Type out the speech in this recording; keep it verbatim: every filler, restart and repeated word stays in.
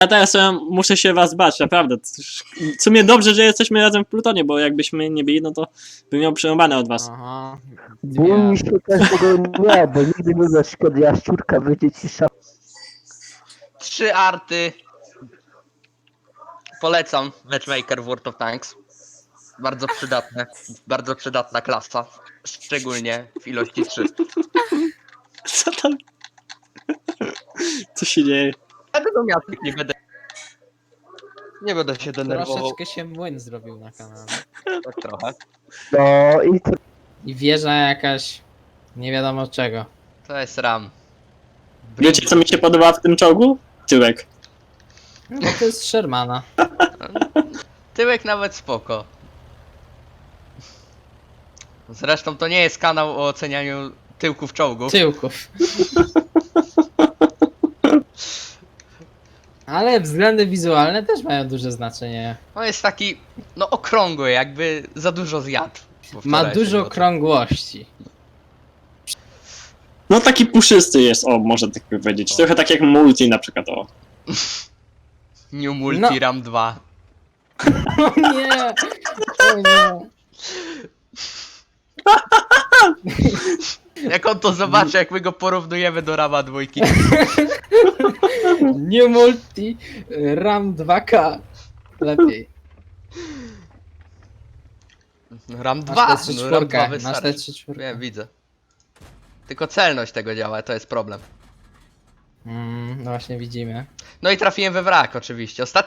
Ja teraz e, muszę się was bać, naprawdę. W sumie dobrze, że jesteśmy razem w Plutonie, bo jakbyśmy nie byli, no to bym miał przerąbane od was. Aha. Bój się każdego nie, bo nigdy nie wiesz, kiedy jaszczurka wyjdzie ci szaf. Trzy arty. Polecam Matchmaker w World of Tanks. Bardzo przydatne. Bardzo przydatna klasa. Szczególnie w ilości trzy. Co tam? Co się dzieje? Ja tego miastek nie będę. Nie będę się denerwował. Troszeczkę się młyn zrobił na kanale. Tak trochę. No i to I wieża jakaś... Nie wiadomo czego. To jest RAM. Wiecie, co mi się podoba w tym czołgu? Tyłek. No to jest Shermana. Tyłek nawet spoko. Zresztą to nie jest kanał o ocenianiu tyłków czołgów. Tyłków. Ale względy wizualne też mają duże znaczenie. On jest taki, no okrągły, jakby za dużo zjadł. Bo Ma wczoraj dużo się było- okrągłości. No taki puszysty jest, o, może tak powiedzieć. Trochę tak jak multi na przykład, o. New Multi No. RAM dwa. O nie! O nie! Jak on to zobaczy, jak my go porównujemy do Rama dwójki. New Multi RAM dwa K. Lepiej. RAM dwa, Masz te trzy no RAM dwa czwórkę. Masz te wystarczy. trzy czwórkę. Wiem, widzę. Tylko celność tego działa, to jest problem. Mm, no właśnie widzimy. No i trafiłem we wrak oczywiście. Ostatni